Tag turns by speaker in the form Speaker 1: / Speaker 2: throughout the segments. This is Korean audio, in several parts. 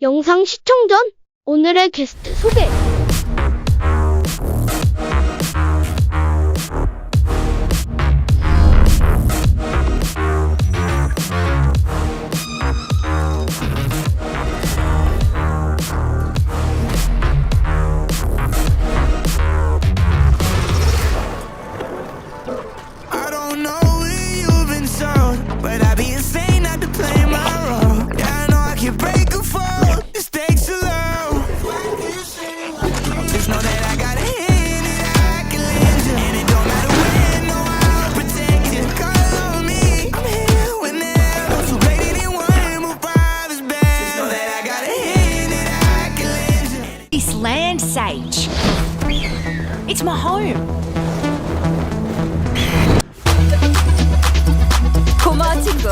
Speaker 1: 영상 시청 전 오늘의 게스트 소개.
Speaker 2: I don't know where you've been sold, but I'd be insane not to play my role. Yeah, I know I can break a fall. This takes a low. Just know that I got a hand and I can lend you, and it don't matter when, no, I'll protect you. Call on me, I'm here whenever. So great anyone, my father's best. Just know that I got a hand and I can lend you.
Speaker 3: This land, Sage. It's my home. 고마워, 친구.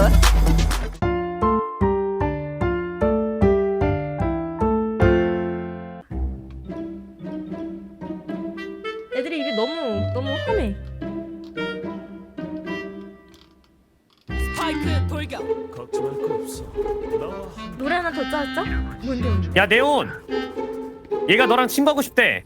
Speaker 4: 애들이 입이 너무 험해.
Speaker 3: 스파이크 돌격.
Speaker 5: 걱정할 거 없어. 나와.
Speaker 4: 노래 하나 더 짜자. 뭔데?
Speaker 6: 야 네온, 얘가 너랑 친구하고 싶대.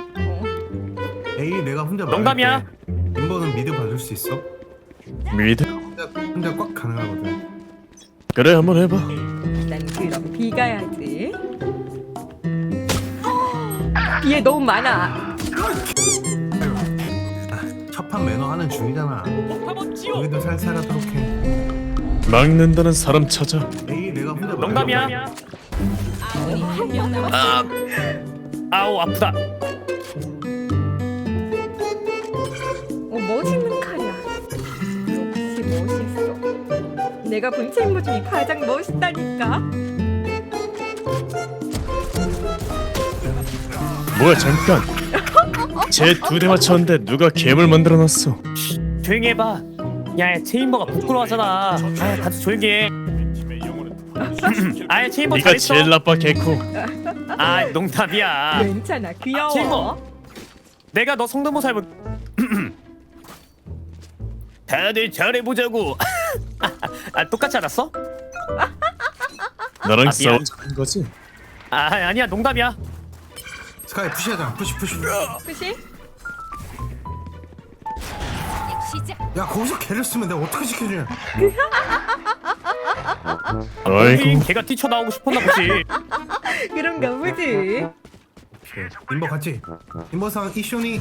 Speaker 7: 에이 내가 혼자
Speaker 6: 농담이야.
Speaker 7: 멤버는 미드 봐줄 수 있어?
Speaker 5: 미드?
Speaker 7: 혼자 꽉 가능하거든.
Speaker 5: 그래 한번 해봐.
Speaker 4: 난 그럼 B 가야지. B에 너무 많아.
Speaker 7: 첫판 매너 하는 중이잖아. 우리도 살살하도록 해.
Speaker 5: 막는다는 사람 찾아.
Speaker 7: 에이 내가 혼자
Speaker 6: 농담이야.
Speaker 3: 한명 남았어.
Speaker 6: 아우 아프다.
Speaker 4: 멋있는 칼이야. 역시 멋있어. 내가 본 친구 중에 가장 멋있다니까.
Speaker 5: 뭐야 잠깐. 쟤 두 대 맞췄는데 누가 갭을 만들어놨어.
Speaker 6: 조용히 해봐. 야 체인버가 부끄러워하잖아. 아 다들 조용히 해. 아예 체인버
Speaker 5: 네가
Speaker 6: 잘했어.
Speaker 5: 제일 나빠 개코.
Speaker 6: 아 농담이야.
Speaker 4: 괜찮아, 귀여워.
Speaker 6: 친구. 내가 너 성대모사 해볼. 다들 잘해보자고. 아 똑같지 않았어?
Speaker 5: 나랑
Speaker 6: 미안.
Speaker 5: 싸우자는 거지?
Speaker 6: 아 아니야 농담이야.
Speaker 7: 스카이 푸시하자. 푸시.
Speaker 4: 그치?
Speaker 3: 시작.
Speaker 7: 야 거기서 개를 쓰면 내가 어떻게 지켜주냐?
Speaker 5: 아이고.
Speaker 6: 걔가 뛰쳐나오고 싶었나 보지.
Speaker 4: 그런가 보지.
Speaker 7: 인버 같이. 인버상 이쇼니.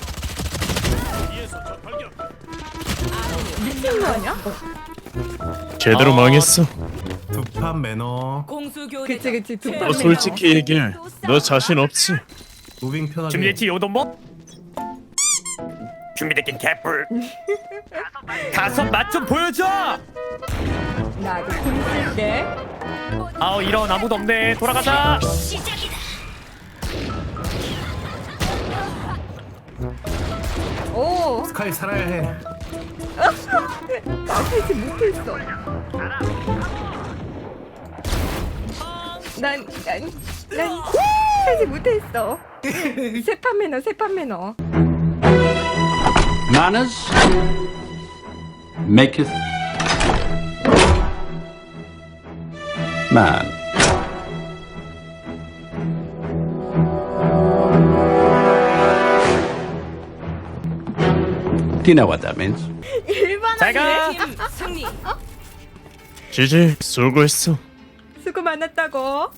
Speaker 4: 미친 거 아니야?
Speaker 5: 제대로 망했어.
Speaker 7: 두 판 매너.
Speaker 3: 공수 교대.
Speaker 4: 그치. 두
Speaker 5: 너
Speaker 4: 판.
Speaker 5: 솔직히 얘기해. 너 자신 없지?
Speaker 7: 무빙 편하게.
Speaker 6: 준비됐지 요돈복? 준비됐긴 개뿔. 가서 맛 좀 보여줘.
Speaker 4: 나도 공 쓸게.
Speaker 6: 아우 이런 아무도 없네. 돌아가자.
Speaker 3: 시작이다.
Speaker 4: 오,
Speaker 7: 스카이 살아야 해.
Speaker 4: 나 살지 못했어. 난 살지 못했어. 세판 매너.
Speaker 8: Manners maketh man. Do you know what that means?
Speaker 6: 잘가.
Speaker 3: 팀 승리.
Speaker 5: 지지 수고했어.
Speaker 4: 수고 많았다고.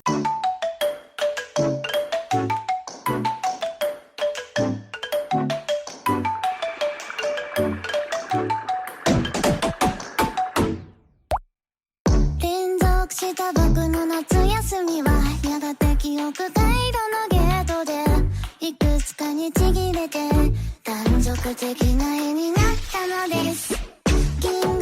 Speaker 9: 連続した僕の夏休みはやがて記憶回路のゲートでいくつかにちぎれて断続的な絵になったのです。銀